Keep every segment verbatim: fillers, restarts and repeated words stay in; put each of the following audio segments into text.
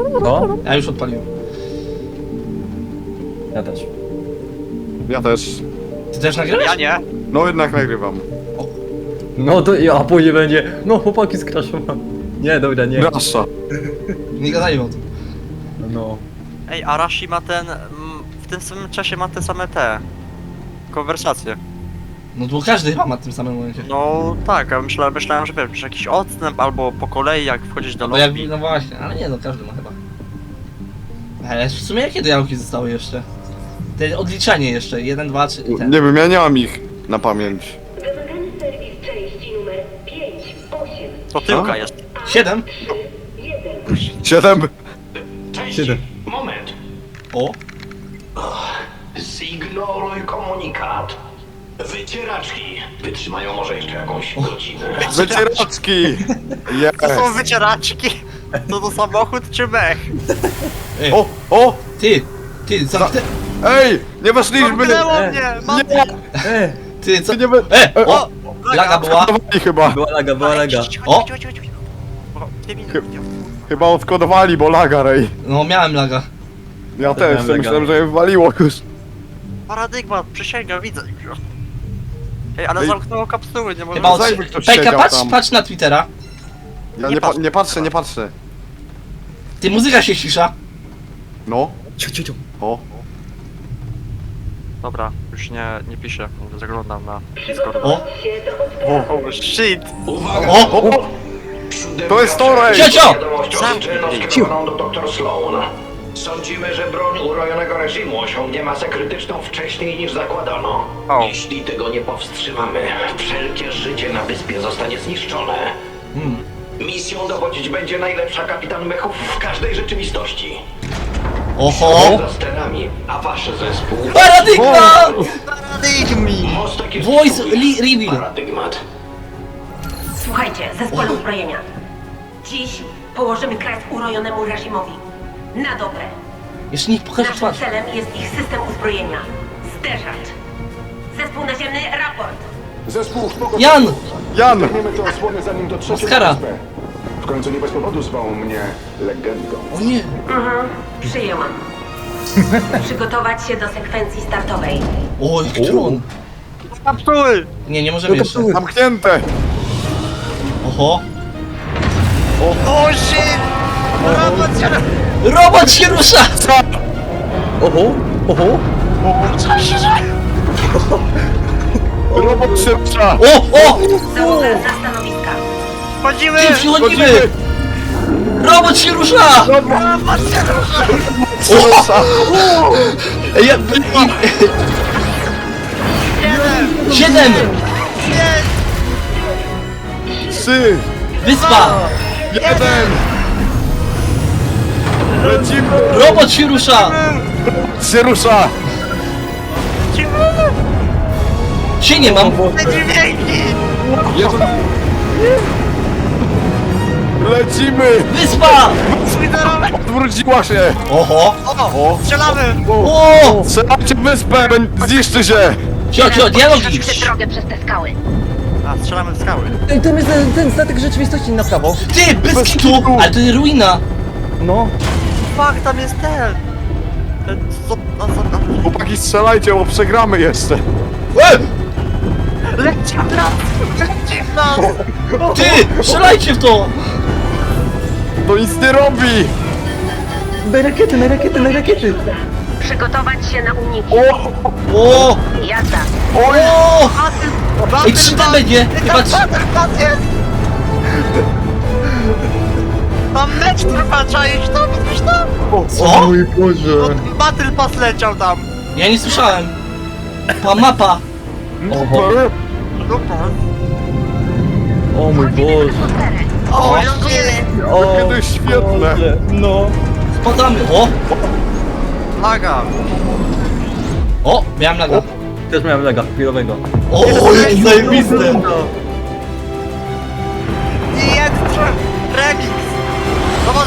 Co? Ja już odpaliłem. Ja też. Ja też. Ty też nagrywasz? Ja nie. No jednak nagrywam. No to ja, a później będzie. No chłopaki skraszowałem. Nie, dobra, nie. Rasza. Nie gadajmy o tym. No. Ej, Arashi ma ten... mm, w tym samym czasie ma te same te... konwersacje. No to każdy chyba ma w tym samym momencie. No tak, a myślałem, myślałem że wiesz, jakiś odstęp albo po kolei jak wchodzisz do No bo ja, lobby. no właśnie, ale nie no, każdy ma chyba. Ale w sumie jakie dialogi zostały jeszcze? Te odliczanie jeszcze, jeden, dwa, trzy i ten. Nie wiem, ja nie mam ich na pamięć. Wymagany serwis części numer pięć osiem To tyłka A? jest. Siedem? jeden. Siedem. Siedem. Moment. O! Zignoruj komunikat. Wycieraczki wytrzymają może jeszcze jakąś godzinę. Wycieraczki. To są Yes. wycieraczki! To to samochód czy mech? Ej, O, o, ty! Ty, co ty? ej, nie weszliśmy. Zamknęło E, mnie! Mam... Nie, E, Ty, co? ty nie we... E! O! Laga była! Odkodowali chyba. była laga, była laga. O! Dwie minuty. Chyba odkodowali, bo laga, rej. No miałem laga. Ja Też też, miałem laga. myślałem, że je wywaliło już. Paradygmat, przysięgam, widzę. Ej, ale Ej. zamknęło kapsuły, nie mogę... Chyba od... zajmij, ktoś Pejka, siedział patrz, tam. patrz na Twittera. Ja Nie nie, pa patrzę. nie patrzę, nie patrzę. Ty, muzyka się cisza. No, Ciu, ciu, ciu. o. Dobra, już nie, nie piszę, zaglądam na Discord. Przygotować się do odprawy. Oh shit! Uwaga! O! o. To jest to, rej. Ciocio! Wiadomość oficjalną skierowaną do doktor Sloan. Sądzimy, że broń urojonego reżimu osiągnie masę krytyczną wcześniej niż zakładano. O. Jeśli tego nie powstrzymamy, wszelkie życie na wyspie zostanie zniszczone. Hmm. Misją dowodzić będzie najlepsza kapitan mechów w każdej rzeczywistości. Oho! Za sterami, a wasz zespół... Paradygmat! Paradygmi! Mostek jest Voice twój. li- reveal. Paradygmat. Słuchajcie, zespole uzbrojenia. Dziś położymy kres urojonemu reżimowi. Na dobre. Jeszcze niech pokaże Naszym twarz. celem jest ich system uzbrojenia. Zderzacz. Zespół naziemny, raport. Zespół spoko... Jan! Jan. Zdejmiemy tę osłonę zanim dotrzecie Oskara. na wyspę. W końcu nie bez powodu zwał mnie legendą. O nie! Mhm, przyjęłam. Przygotować się do sekwencji startowej. O, jaki tron! Kapsuły! Nie, nie możemy jeszcze. Zamknięte. Oho! O shit! Robot się... Robot się rusza! Oho, oho. Robot szybsza. O, o! Załoga na stanowiska. Wchodzimy! Ty, przychodzimy! Robot się rusza! Szybsza. Ej, ja... i- Siedem! Trzy. Wyspa! Jeden. Lecimy. Robot się rusza! Się rusza. Się nie mam! Te dźwięki! Jeden. Lecimy. Wyspa! Spiderowek! Odwróciła się. Oho! O! Strzelamy! O! Strzelajcie w wyspę, bę- zniszczy się. Cio, cio, dialogi! drogę przez te skały. A, strzelamy w skały. Ej, tam jest ten, ten statek rzeczywistości na prawo. Ty, bez Bez kitu! kitu. Ale to jest ruina! No. Fuck, tam jest ten! Ten, co... No, co tam? Chłopaki, strzelajcie, bo przegramy jeszcze. E! Leci w nas! Leci w nas! Ty! Strzelajcie w to! To nic nie robi. Na rakiety, na rakiety, na rakiety. Przygotować się na uniki. O! Jazda. O! Batyl, Ej, trzy D będzie! Chyba trzy... Batyl jest! Tam mecz trwa, czaisz to? Widzisz to? Co? mój Boże. No, Battle Pass leciał tam. Ja nie słyszałem. Pa mapa! Oho. Super. O mój Boże. O, O, Kiedy świetne. Boże. No. Spadamy! O! laga. O! Miałem laga. Też miałem laga chwilowego. O, jakie zajebiste! I jest remix. Dowody.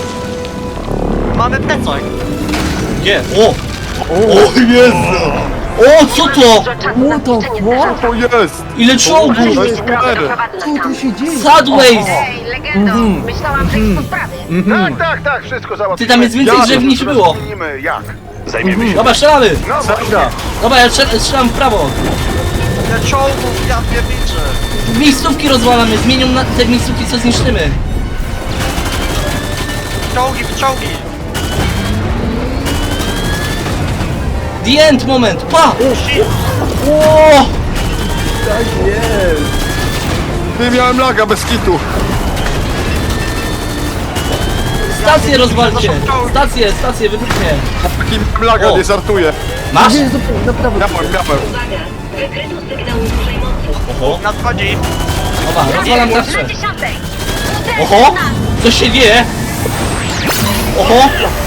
Mamy plecak. Gdzie? O! O Jezu! O, co to? Dużo czasu na zniszczenie Co zderzaka. to jest? Ile czołgów! To jest cholery. Prowadzę nas tam. Sideways! Ej, legendo! Myślałam, że jest po sprawie. Tak, tak, tak, wszystko załatwimy. Ty, tam jest więcej Ja, drzew niż Teraz było. ustalimy, jak. Zajmiemy się. Dobra, strzelamy! No właśnie. Dobra, ja strzel- strzelam w prawo. Ile czołgów, ja nie widzę. Miejscówki rozwalamy, zmienią na te miejscówki, co zniszczymy. Czołgi, czołgi. The end moment, pa! O! Tak jest. Ty, miałem laga bez kitu. Stację rozwalcie! Stację, stację, wybuch mnie! Taki miałem laga, O. nie żartuję. Masz? Nie, naprawdę. Miałem, miałem. Uwaga! Wykryto sygnał dużej mocy. Oho, Nadchodzi. dobra, rozwalam Na tarczę. dziesiątej! Oho! Co się dzieje? Oho!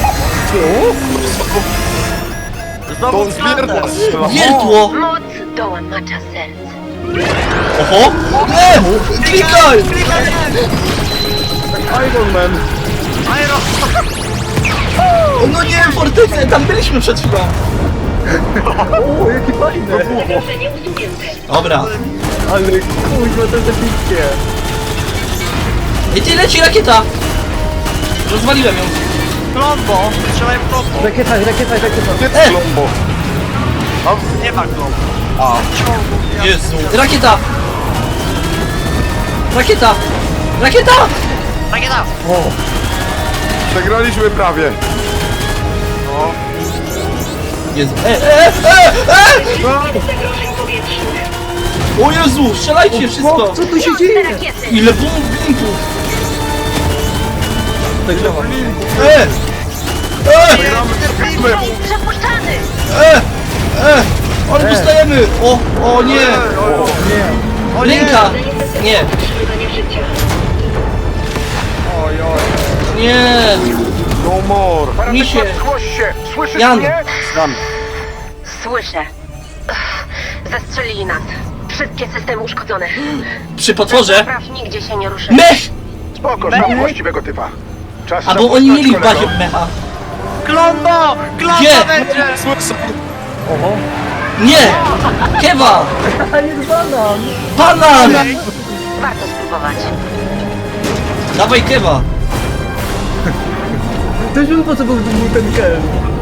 Znowu To zwierta strzela. Wiertło! Moc dołamacza serc. Oho! E! Klikaj! Iron Man. Aero. O, no nie, fortycę, tam byliśmy przed chwilą. O, jakie fajne. Zagrożenie usunięte. Dobra. Ale kurwa, to jest epickie. I ty leci rakieta! Rozwaliłem ją. Klombo. Strzelaj w klombo. Rakieta, rakieta, rakieta. Gdzie E! jest Lombo? Nie ma klombo. A. Czołgów, ja Jezu. Rakieta! Rakieta! Rakieta! Rakieta. Przegraliśmy prawie. Jezu. E, e, e, e! Zagrożeń powietrznych. O Jezu, strzelajcie wszystko! Co tu się Te dzieje? rakiety! Ile bum blimpów! Tak działa. E! E! Ej, przepuszczany! E! E! Ale dostajemy! O! O nie! Nie. Linka! Nie! Przetrwanie życia. Nie! No more. Misie! Zgłoś się. Słyszysz Jan! mnie? Słyszę. Ech, Zastrzelili nas. Wszystkie systemy uszkodzone. Przy potworze! Praw nigdzie się nie ruszy. Mech! Spoko, znam właściwego typa. Czas Albo zapoznać oni mieli w kolego. bazie mecha. Klombo. Klombo Gdzie? będzie. Słyszę. Oho. Nie! Kewa! A jest banan. Banan! Warto spróbować. Dawaj kewa! Też bym po co był był ten kel.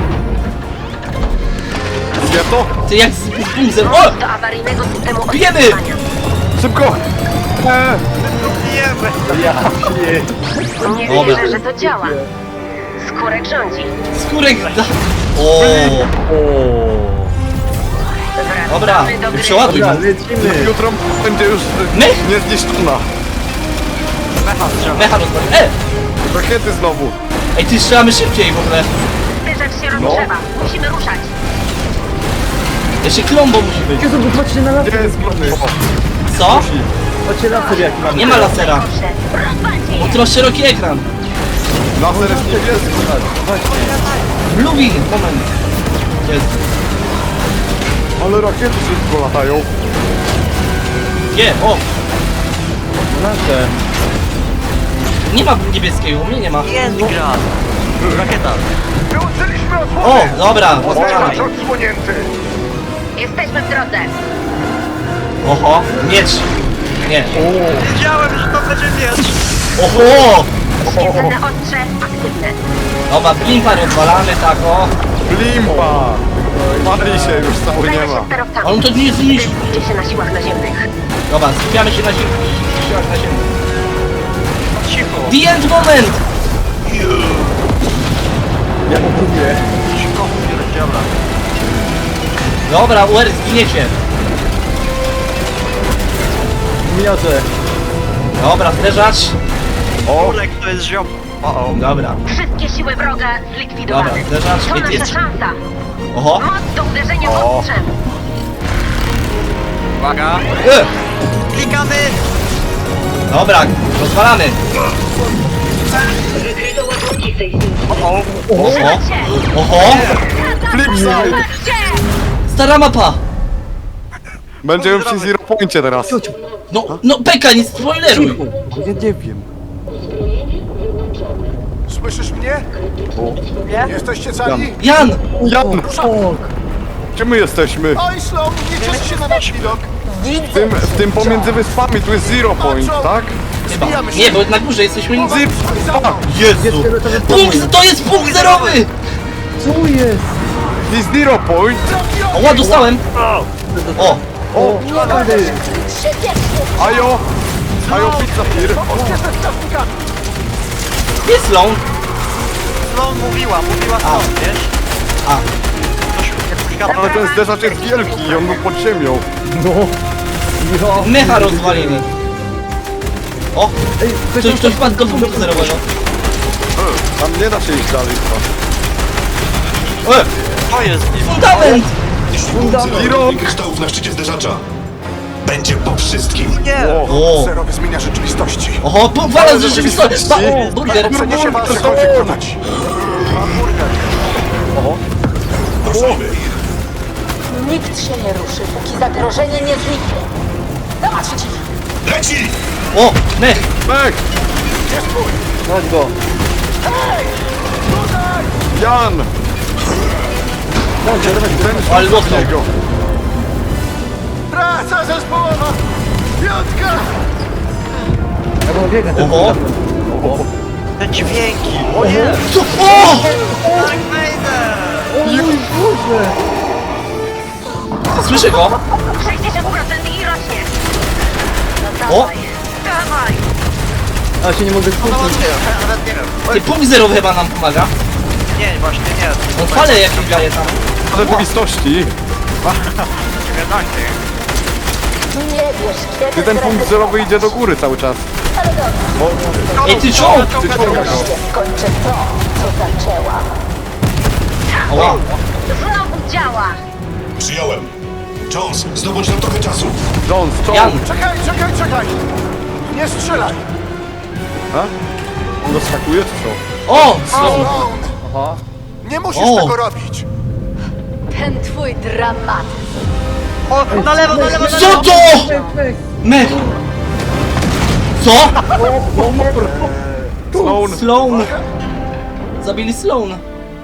Gdzie to? Ty jak z bumzem. O! Do awaryjnego systemu Bijemy! odczytywania. Szybko. E, Bijemy. Ja pie... Nie Dobra. wierzę, że to działa. Skórek rządzi. Skórek da... O! O. Dobra, Wracamy do gry. przeładuj Dobra, mu. lecimy. jutro będzie już Mech? niezniszczona. Mecha strzela. Mecha rozwalił. E! Rakiety znowu. Ej, ty strzelamy szybciej w ogóle. Zderzak się rozgrzewa. Musimy ruszać. Jeszcze klombo musi być. Jezu, bo patrzcie na Gdzie laser. jest Lombo? Co? Patrzcie laser jaki mamy. Nie ma lasera. Proszę, rozwalcie Bo je. ty masz szeroki ekran. Laser jest niebieski. Bluewing, moment. Jest. Ale rakiety szybko latają. Nie, o! Laser. Nie ma niebieskiego, u mnie nie ma. Jest gra. Rakieta. Wyłączyliśmy osłonę. O, dobra. Oznacz odsłonięty. Jesteśmy w drodze. Oho, miecz. Nie. Wiedziałem, że to będzie miecz. Oho! Świetlne ostrze aktywne. Dobra, blimpa rozwalamy, tak o. Limpa. Pali się już, cały nie Zajmę się ma. sterowcami. On to nie zniszczy. Skupcie się na siłach naziemnych. Dobra, skupiamy się na ziemi. Siłach na ziemi. Cicho. The end moment! Ja to próbuję. Cicho. Dobra. Dobra, U R zginiecie. Miniacze. Dobra, zderzacz. O, Kurek to jest ziom. O, o. Dobra. Wszystkie siły wroga zlikwidowane. Dobra, zderzacz. To Ej, nasza jest- szansa. Oho. Moc do uderzenia O. ostrzem. Uwaga. E! Klikamy. Dobra, rozwalamy. Wykryto ładunki sejsmiczne. Oho. Macie! Oho. flipside. Patrzcie! Stara mapa. Będziemy przy zero poincie teraz. No, no Beka, nie spoileruj. Ja nie wiem. Słyszysz mnie? Jesteście cali? Jan. Jan! Szok. Gdzie my jesteśmy? Oj, Sloan, nie cieszy się na nasz widok. W tym, w tym pomiędzy wyspami, tu jest zero point, tak? Chyba. Nie, bo na górze jesteśmy... Zip! Jezu! Punkt, to jest punkt zerowy! Co jest? To jest zero point! O, ła, dostałem! O! O! Ajo! Ajo, pizza fir! Jest Sloan! No mówiła, mówiła stąd, wiesz? A. Coś Ale ten zderzacz jest wielki i on był pod ziemią. No. Ja. Mecha rozwalili. O! Ktoś, ktoś wpadł do punktu zerowego. Tam nie da się iść dalej chyba. E! To jest Fundament! Zero! kryształów na szczycie zderzacza. Będzie po wszystkim. nie! O! Zerowy zmienia rzeczywistości. Oho, powala z rzeczywistości! Ba- o, burger! Przeniesie was to cokolwiek on! konać. Ruszajmy. Nikt się nie ruszy, póki zagrożenie nie zniknie. Zobaczcie! Leci! O! Mech! Mek! Chodź go. Jan! Ten Ale dostał! niego. Praca zespołowa! Piątka! Ja go biegę. Oho! Te dźwięki! Co? O! Tak wejdę! Słyszę go! sześćdziesiąt procent i rośnie. O! Dawaj! A się nie mogę No skupić. nie, nawet nie wiem. Ty, punkt zerowy chyba nam pomaga. Nie, właśnie nie. On fale jakieś daje tam. W rzeczywistości, Gadacie. Nie wiesz, kiedy gdy ten punkt zerowy idzie do góry cały czas. Ale dobrze, Ej, ty czołg! Ty czołgasz. wreszcie skończę to, co zaczęłam. Oła! Znowu działa! Przyjąłem. Jones, zdobądź nam trochę czasu. Jones, Jan! czołg! Czekaj, czekaj, czekaj! Nie strzelaj! A? On doskakuje czy co? O! Sloan! Sloan! Aha. Nie musisz O. tego robić! Ten twój dramat. O, na lewo, na lewo, na Co lewo! to? Mech! Co? Sloan! Sloan! Zabili Sloan!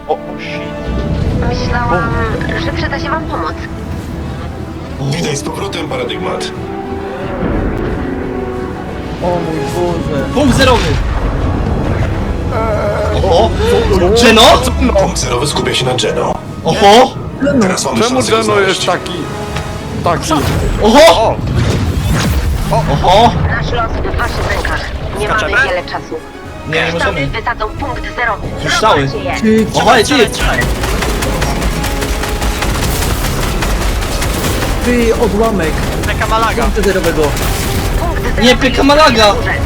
Myślałam, że przyda się wam pomoc. Witaj z powrotem, paradygmat. O mój Boże. Punkt zerowy! Oho! Geno? Punkt zerowy skupia się na Geno. Oho! Teraz mamy Czemu szansę ją Geno jest znaleźć. taki... Taki... Oho! Oho! Nasz los w waszych rękach. Nie mamy Skaczemy? wiele czasu. Nie, nie Kryształy możemy. wysadzą punkt zerowy. Kryształy? Zobaczcie je. Ty, Oho, ej, ty! ty odłamek. Taka malaga. Punktu zerowego. Punkt zerowy Nie, pyka Malaga! jest na górze.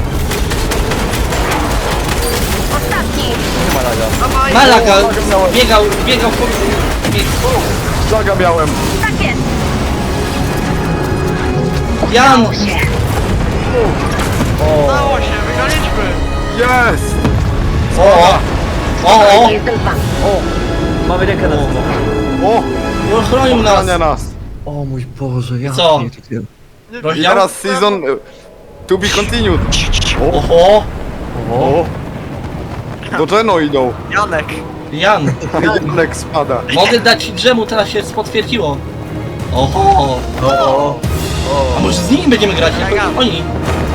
Ostatni! Nie ma laga. Malaga! Biegał, biegał po... Zaga miałem. Tak jest! Jan! Udało się. Udało się, wygraliśmy! Jest! O! O! O! Jestem z wami. O, mamy rękę na tym. O! Ochronił nas! Ochrania nas! O mój Boże, ja Co? pierdzielę. I Rozdział? teraz season... y, To be continued. Oho! O! Do Geno idą. Janek. Jan! Janek spada. Mogę dać drzemu, teraz się potwierdziło. Oho! O, A może z nimi będziemy grać, jak Ja. oni?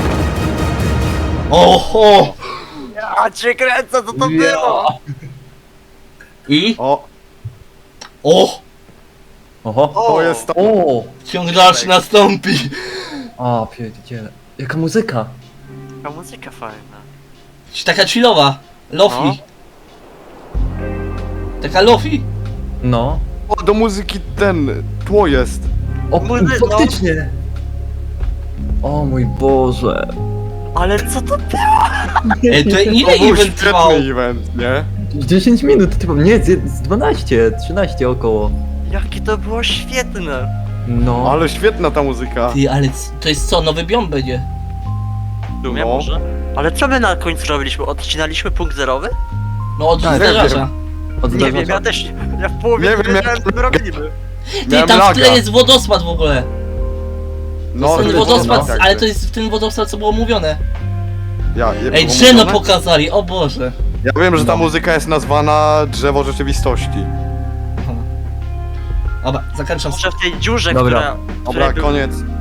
Oho! A cię kręcę, co to było? I? O! O! Oho. To jest to. O! Ciąg dalszy nastąpi! A, pierdziele. Jaka muzyka. Ta muzyka fajna. Taka chillowa. Lofi. Taka lofi. No. O, do muzyki ten... Tło jest. O, Muzy- no. faktycznie. O mój Boże. Ale co to było? Ej, to ile To był event trwał? świetny event, nie? dziesięć minut, typu, nie, z z dwanaście, trzynaście około. Jakie to było świetne. No. Ale świetna ta muzyka. Ty, ale c- to jest co, nowy biom będzie? W sumie No. może. Ale co my na końcu robiliśmy? Odcinaliśmy punkt zerowy? No od Tak, zderzacza. Od Nie wiem, ja też ja w połowie Nie nie, wiem, wiedziałem jak- co my robimy. Ty, Miałem tam w laga. tle jest wodospad w ogóle. No, Ten to- wodospad, no, ale to jest ten wodospad, co było mówione. Ja, je Ej, było Geno mówione? pokazali, o Boże. Ja wiem, że ta No. muzyka jest nazwana Drzewo Rzeczywistości. Dobra, zakończam. Może w tej dziurze, Dobra. która... Dobra, której był- koniec.